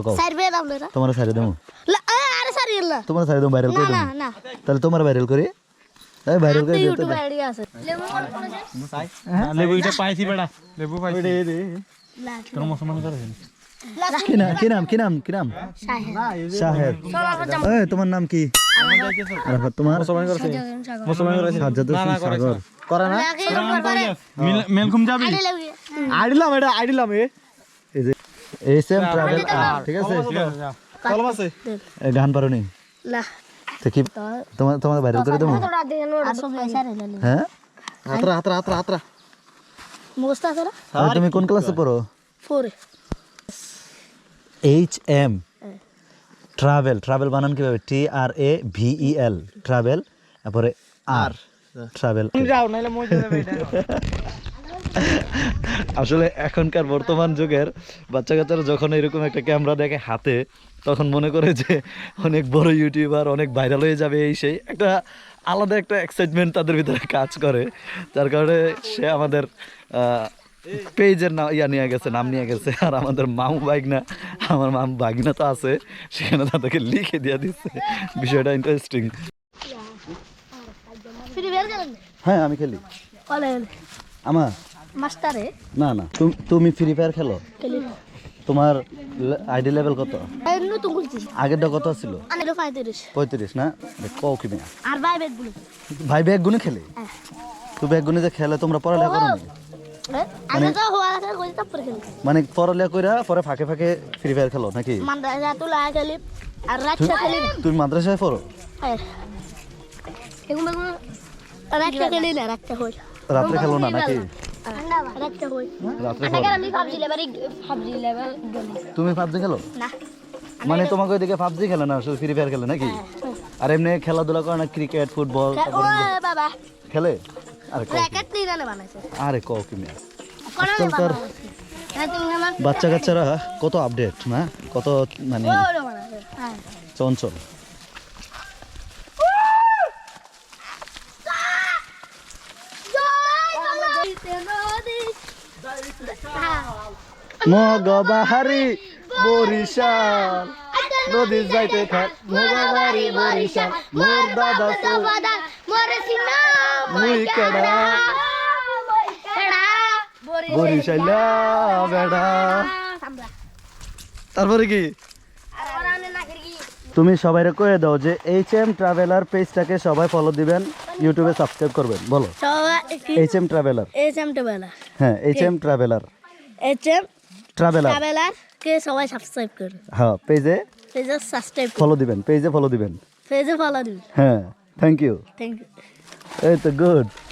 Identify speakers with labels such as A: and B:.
A: সারবে আপনারা
B: তোমার সারি দেবো
A: আরে সারিয়েল না
B: তোমার সারি দেবো ভাইরাল করে
A: না
B: দেবো
A: না
B: তাহলে তোমার ভাইরাল করি এই ভাইরাল করে দিতে
A: ইউটিউব আইডি আছে লেবু কোন
C: লেবু এটা পাইছি বেটা লেবু পাইছি তোর মুসলমান করে
B: কি নাম শাহেদ এই তোমার নাম কি আরাফাত তোমার
C: মুসলমান করে
B: সাজ্জাদ হোসেন সাগর
C: করে না মেলকুম যাবি আইডিলাম
B: এই যে এসএম ট্রাভেল ঠিক আছে
C: কলম আছে
B: এই গান পারো নি
A: না
B: তো কি তোমার ভাইরাল করে দেবো হ্যাঁ
C: হাতরা
A: মোস্তা করে
B: আর তুমি কোন ক্লাসে পড়ো
A: 4
B: HM ট্রাভেল বানান কিভাবে TRAVEL ট্রাভেল তারপরে আর ট্রাভেল
C: যাও নাইলে মজা যাবে এটা
B: আসলে এখনকার বর্তমান যুগের বাচ্চা কাচ্চারা যখন এরকম একটা ক্যামেরা দেখে হাতে তখন মনে করে যে অনেক বড় ইউটিউবার অনেক ভাইরাল হয়ে যাবে এই সেই একটা আলাদা একটা এক্সাইটমেন্ট তাদের ভিতরে কাজ করে যার কারণে সে আমাদের পেজের নাম নাম নিয়ে গেছে আর আমাদের মামু বাগনা তো আছে সেখানে তাদেরকে লিখে দিয়ে দিচ্ছে বিষয়টা ইন্টারেস্টিং
A: ফ্রি ফায়ার খেলেন
B: হ্যাঁ আমি খেলি
A: বলেন
B: আমার
A: মাস্টারে
B: না তুমি ফ্রি ফায়ার খেলো
A: খেলি
B: তোমার আইডি লেভেল কত
A: এই নতুন খুলছি
B: আগেরটা কত ছিল
A: আমি 35
B: 35 না কও কি মিয়া
A: আর ভাই বেদ বলি
B: ভাই ব্যাগ গুনে খেলে তুই ব্যাগ গুনে যে খেলে তোমরা পড়ালেখা করো না
A: আমি তো হওয়া আছে কই তারপরে খেলি
B: মানে পড়ালেখা কইরা পরে ফাঁকে ফ্রি ফায়ার খেলো নাকি
A: মাদ্রাসা তো লাগা খেলি আর রাতটা খেলি
B: তুমি মাদ্রাসায় পড়ো
A: হ্যাঁ এগুলো রাতটা খেলি না রাতটা হই
B: রাত্রে খেলো না নাকি
A: রাতটা হই
B: রাত্রে
A: আগে আমি পাবজি লেভেল
B: তুমি পাবজি খেলো
A: না
B: মানে তোমাকে ওইদিকে পাবজি খেলে না শুধু ফ্রি ফায়ার খেলে নাকি আর এমনি খেলাধুলা করে না ক্রিকেট ফুটবল
A: ও বাবা
B: খেলে আরে কও
A: র্যাকেট নিয়ে জানে বানাইছে
B: আরে কও কি মিয়া
A: কোন
B: আজকালকার
A: হ্যাঁ তুমি আমার
B: বাচ্চা কাচ্চারা কত আপডেট না কত মানে
A: ও বানাইছে হ্যাঁ
B: চঞ্চল মগবাহারি বরিশাল নদী যাইতে থাক মগবাহারি বরিশাল মোর দাদা মুই কেডা বরিশাইলা বেড়া তারপরে কি তুমি সবাইরে কয়ে দাও যে HM ট্রাভেলার পেজটাকে সবাই ফলো দিবেন ইউটিউবে সাবস্ক্রাইব করবেন বলো HM ট্রাভেলার হ্যাঁ HM ট্রাভেলার
A: কে সবাই সাবস্ক্রাইব করুন
B: হ্যাঁ পেজে
A: সাবস্ক্রাইব
B: ফলো দিবেন পেজে ফলো দিবেন
A: পেজে ফলো দিন
B: হ্যাঁ থ্যাংক ইউ
A: থ্যাংক ইউ
B: এই তো গুড